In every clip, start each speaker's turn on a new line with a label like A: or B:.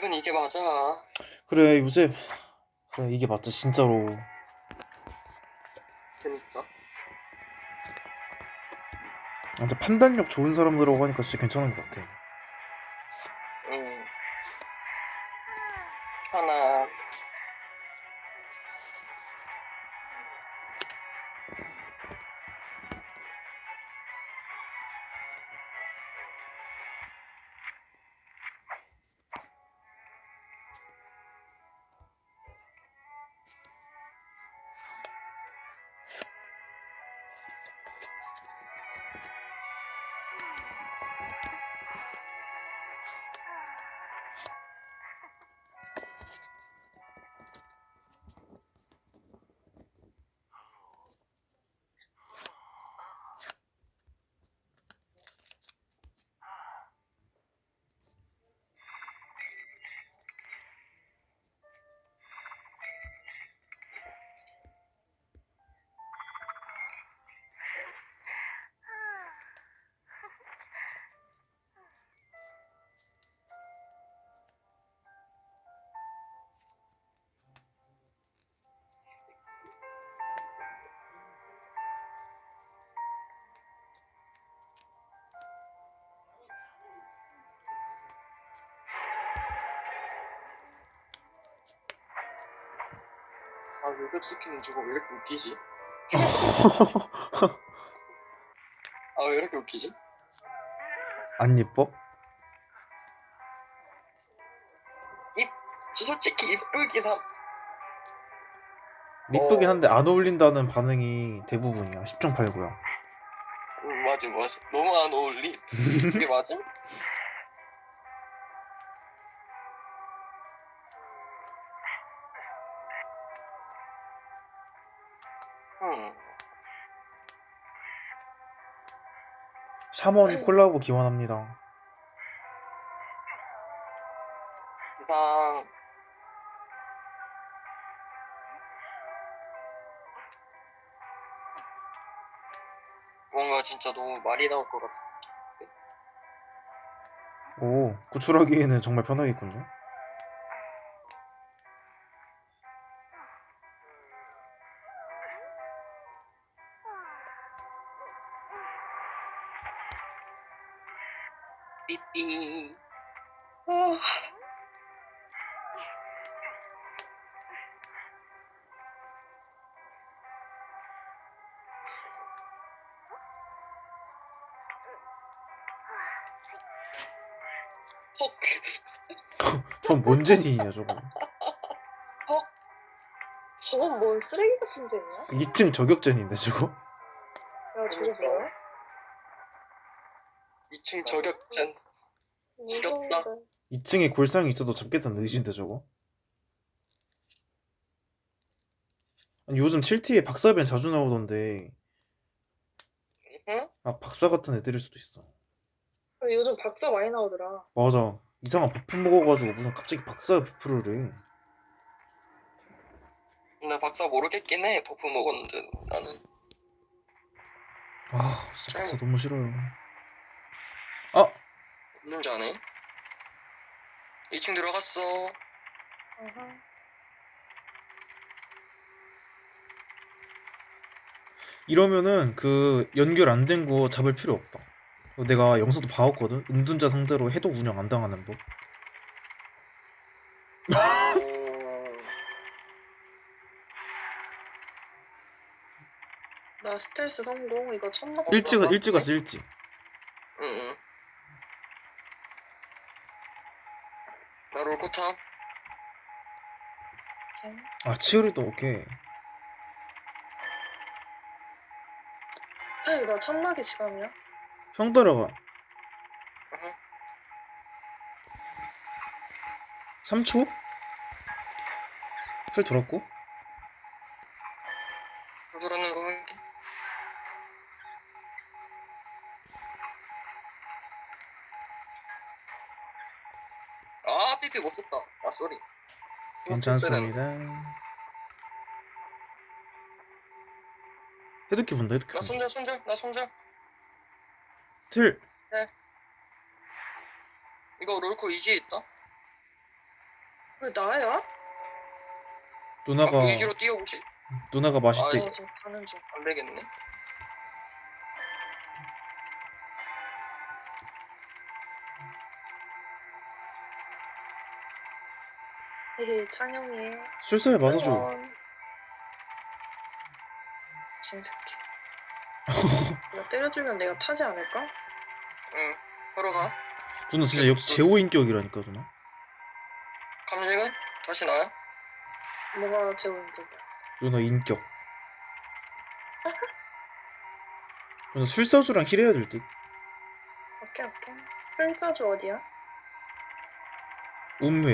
A: 이건 이게 맞아.
B: 그래 요새 그래 이게 맞다 진짜로.
A: 그니까.
B: 진짜 판단력 좋은 사람들하고 하니까 진짜 괜찮은 것 같아.
A: 응. 하나. 아, 요격 스킬은 저거 왜 이렇게 웃기지? 아, 왜 이렇게 웃기지?
B: 안 예뻐?
A: 솔직히 이쁘긴 함.
B: 이쁘긴 한데 안 어울린다는 반응이 대부분이야. 10중 8구야.
A: 맞아, 맞아. 너무 안 어울리. 이게 맞아? 응.
B: 샤먼 콜라보 기원합니다.
A: 이상. 뭔가 진짜 너무 말이 나올 것 같아.
B: 오, 구출하기에는 정말 편하겠군요.
A: 삐삐. 헉.
B: 전 뭔 제니냐 저거.
A: 헉.
C: 저건 뭔 쓰레기 같은 잼이야?
B: 2층 저격전인데 저거.
C: 야, 저거 뭐야?
A: 2층 저격전. 지겹다.
C: 무서운데.
B: 2층에 골상이 있어도 잡겠다는 의지인데 저거. 아니, 요즘 7T에 박사변 자주 나오던데
A: 응?
B: 아 박사 같은 애들일 수도 있어.
C: 근데 요즘 박사 많이 나오더라.
B: 맞아. 이상한 버프 먹어가지고 무슨 갑자기 박사 버프를 해.
A: 나 박사 모르겠긴 해. 버프 먹었는데 나는.
B: 아 진짜 박사
A: 잘못
B: 너무 싫어요. 아!
A: 없는 줄 아네. 2층 들어갔어.
C: 아하.
B: 이러면은 그 연결 안 된 거 잡을 필요 없다. 내가 영상도 봐왔거든. 은둔자 상대로 해독 운영 안 당하는 법.
C: 나 스텔스 성공. 이거 천막
B: 일찍 왔어 일찍.
A: 응응. 나 롤코탑.
B: 아 치어리도 오케이.
C: 아니, 나 천막이 시간이야?
B: 형 따라가.
A: 응.
B: 3초? 풀 돌았고.
A: 돌아가는 거 할게. 아, 삐삐 못 썼다. 아, 쏘리.
B: 괜찮습니다. 해독기 본다 해독기
A: 나
B: 본다.
A: 손절. 나 손절.
B: 틀.
A: 네. 이거 롤코 이지에 있다.
C: 왜 나야?
B: 누나가
A: 아, 의지로 뛰어오지.
B: 누나가 맛있대.
A: 아이.
C: 지금 가는 중.
A: 안 되겠네.
C: 헤헤, 찬영이.
B: 술사에 맞아줘.
C: 진새끼. 내가 때려주면 내가 타지 않을까?
A: 응. 바로 가.
B: 누나 진짜 역시 제호 인격이라니까 누나.
A: 감식은 다시 나요?
C: 뭐가 제일 힘들다.
B: 누나 인격. 누나 술사주랑 힐해야 될 듯.
C: 오케이. 풀사주 어디야?
B: 운회.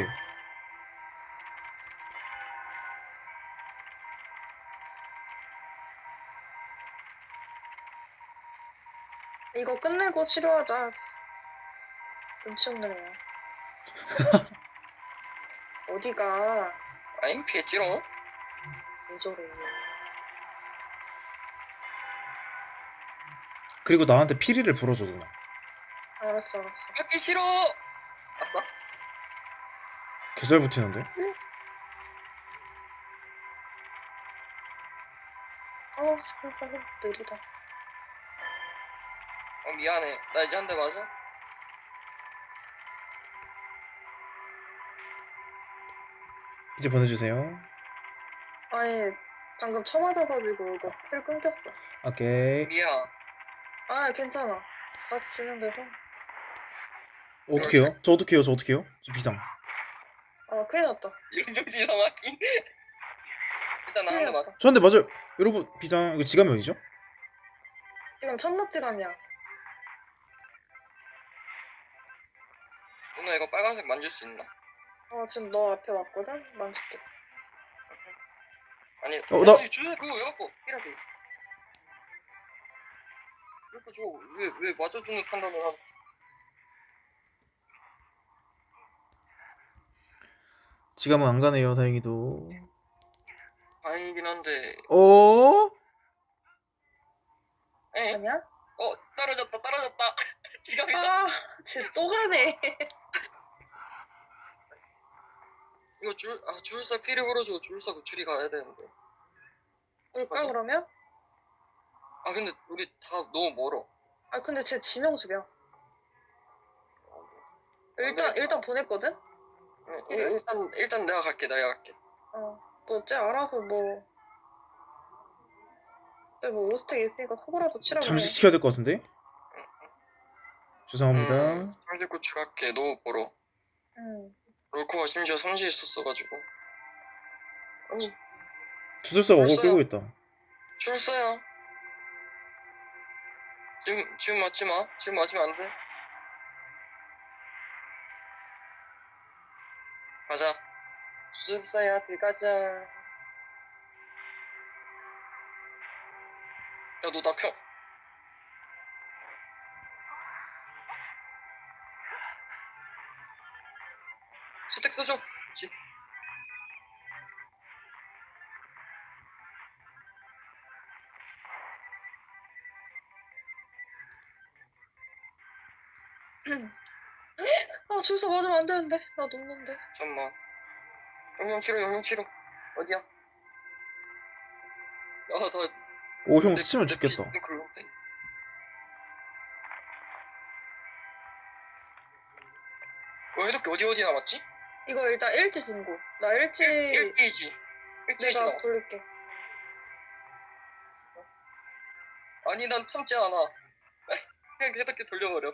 C: 이거 끝내고 치료하자. 눈치 없는 애야. 어디가?
A: 아임 피했지롱.
C: 왜 저래.
B: 그리고 나한테 피리를 불어줘 누나.
C: 알았어.
A: 깎기 싫어. 아싸.
B: 개잘 붙이는데?
C: 스쿨사는 느리다.
A: 미안해. 나 이제 한 대 맞아.
B: 이제 보내주세요.
C: 아니, 방금 쳐맞아가지고 이거 필 끊겼어.
B: 오케이.
A: 미안.
C: 아, 괜찮아. 다시 주면 돼서.
B: 어떡해요? 저 어떡해요? 저 어떡해요? 저 비상.
C: 아, 큰일 났다.
A: 이런 좀 이상하긴. 일단 나 한 대
C: 큰일
A: 맞아.
C: 났다.
B: 저한테 맞아요. 여러분 비상. 이거 지갑이 어디죠?
C: 지금 천막지감이야.
A: 누나 이거 빨간색 만질 수 있나?
C: 지금 너 앞에 왔거든? 만질게.
A: 아니.
B: 나-
A: 주세 그거 왜 갖고? 이라도. 이거 저왜 맞아주는 판단을 하는?
B: 지갑은 안 가네요. 다행히도.
A: 다행이긴 한데.
B: 어?
A: 에?
C: 아니야?
A: 떨어졌다. 지갑이다.
C: 아, 쟤 또 가네.
A: 이거 줄사 피리 걸어주고 줄사 구출이 가야 되는데.
C: 올까,
A: 맞아.
C: 그러면?
A: 아 근데 우리 다 너무 멀어.
C: 아, 근데 쟤 지명수야.
A: 되겠다.
C: 일단 보냈거든?
A: 일단 내가 갈게.
C: 너 쟤 알아서 뭐. 쟤뭐 오스텍 있으니까 서고라도 치라고.
B: 잠식 시켜야 될 것 같은데? 죄송합니다.
A: 상대 구출할게. 너무 멀어.
C: 응.
A: 롤코가 심지어 성지에 있었어가지고. 아니
B: 주술사가 어글
A: 벌써요.
B: 끌고 있다.
A: 줄서요. 지금 맞지 마. 지금 맞으면 안 돼. 가자. 줄서야 들어가자. 야 너 나 펴. 스택 써줘. 그치.
C: 아, 줄서 맞으면 안 되는데. 나 녹는데.
A: 잠깐만. 영영 치료. 어디야?
B: 오, 형 스치면 죽겠다.
A: 해독기 어디 남았지?
C: 이거 일단 일지 중고. 나 일지
A: 1페이지. 1페이지
C: 내가
A: 나와.
C: 돌릴게.
A: 아니 난 참지 않아. 그냥 해독기 돌려버려.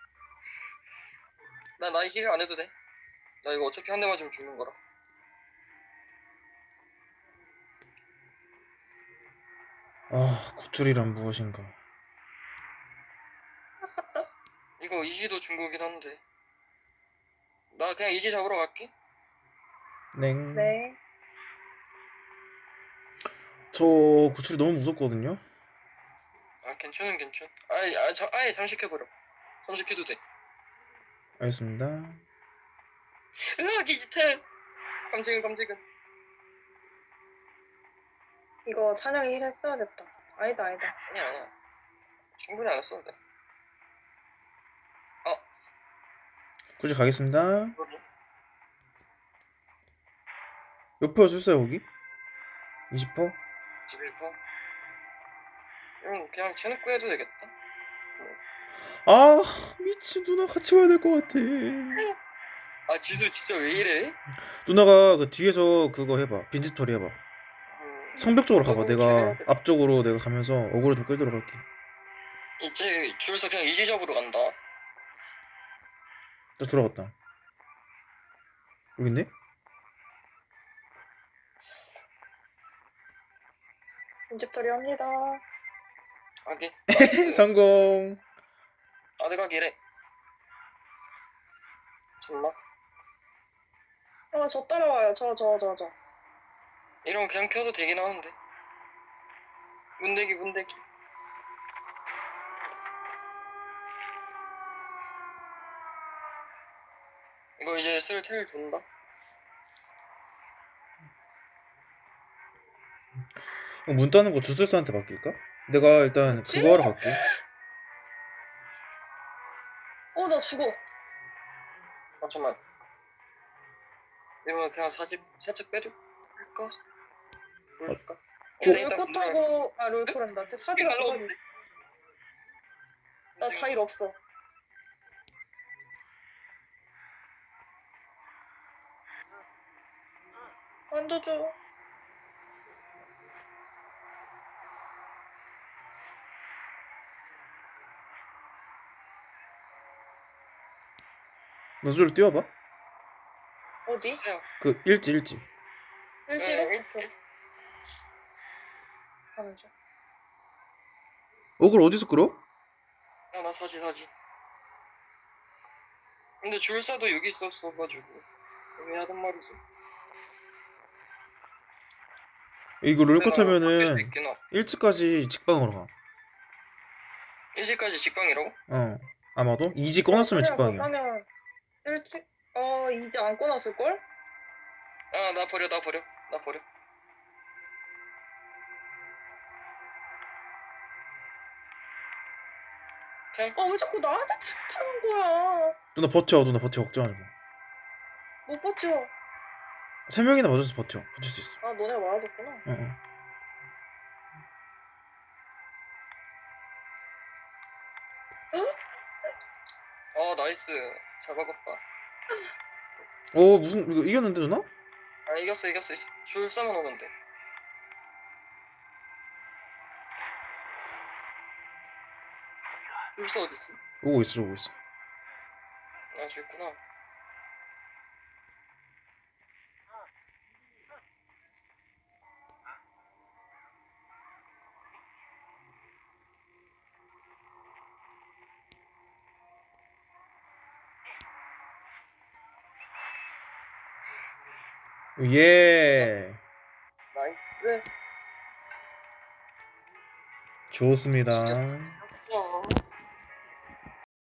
A: 나 나이 힐 안 해도 돼. 나 이거 어차피 한 대 맞으면 죽는 거라.
B: 아, 구출이란 무엇인가.
A: 이거 이지도 중국이긴 한데. 나 그냥 이지 잡으러 갈게.
B: 냉.
C: 네.
B: 저 구출이 너무 무섭거든요.
A: 아 괜찮. 아예 잠식해버려. 잠식해도 돼.
B: 알겠습니다.
A: 으악 디지털. 감직은.
C: 이거 찬영이 일 했어야겠다. 아니다.
A: 아니야. 충분히 안 했어도 돼.
B: 구출 가겠습니다.
A: 그러게.
B: 몇 퍼 줄어요 거기? 20퍼?
A: 11퍼? 그냥 쳐놓고 해도 되겠다.
B: 아 미친, 누나 같이 와야 될 것 같아.
A: 아 지수 진짜 왜 이래?
B: 누나가 그 뒤에서 그거 해봐, 빈집털이 해봐. 성벽 쪽으로 가봐.
A: 너도 잘
B: 내가
A: 해야 돼.
B: 앞쪽으로 내가 가면서 어그로 좀 끌도록 할게.
A: 이제 줄서 그냥 이지 잡으러 간다.
B: 나 돌아갔다. 여기 있네?
C: 인집털이 합니다.
A: 아기.
B: 성공.
A: 아드가기래. 정말?
C: 저 따라와요. 저.
A: 이러면 그냥 켜도 되긴 하는데. 문대기. 이거 이제 슬슬 돈다.
B: 문 따는 거 주술사한테 맡길까? 내가 일단
C: 뭐지?
B: 그거 하러 갈게.
C: 나 죽어.
A: 잠깐만. 이러면 그냥 사집 살짝 빼줄까? 모를까?
C: 롤코 타고 롤코란다. 사지가
A: 날라오는
C: 떨어지.
A: 데
C: 나 자일 없어. 만져줘.
B: 너 저기로 뛰어봐.
C: 어디?
B: 그 일지.
C: 일지로?
A: 네,
C: 오케이. 가는 중.
B: 어그로 어디서 끌어?
A: 나 사지. 근데 줄사도 여기 있었어가지고 애매하단 말이지.
B: 이거 롤코
A: 바뀔 수
B: 타면은
A: 있긴 하.
B: 1지까지 직방으로 가.
A: 1시까지 직방이라고?
B: 아마도 2지 꺼놨으면 직방이야.
C: 그러면 일지 이제 안 꺼놨을 걸?
A: 아, 나 버려.
C: 왜 자꾸 나한테 타는 거야?
B: 누나 버텨 걱정하지 마.
C: 못 버텨.
B: 3명이나 맞아서 버텨. 버틸 수 있어.
C: 너네가 말아줬구나.
B: 응.
A: 나이스. 잘 박았다.
B: 무슨 이거 이겼는데 누나?
A: 아, 이겼어. 줄사만 오면 돼. 줄사 어딨어?
B: 오고 있어.
A: 아, 저기 있구나.
B: 예.
A: 나이스.
B: 좋습니다.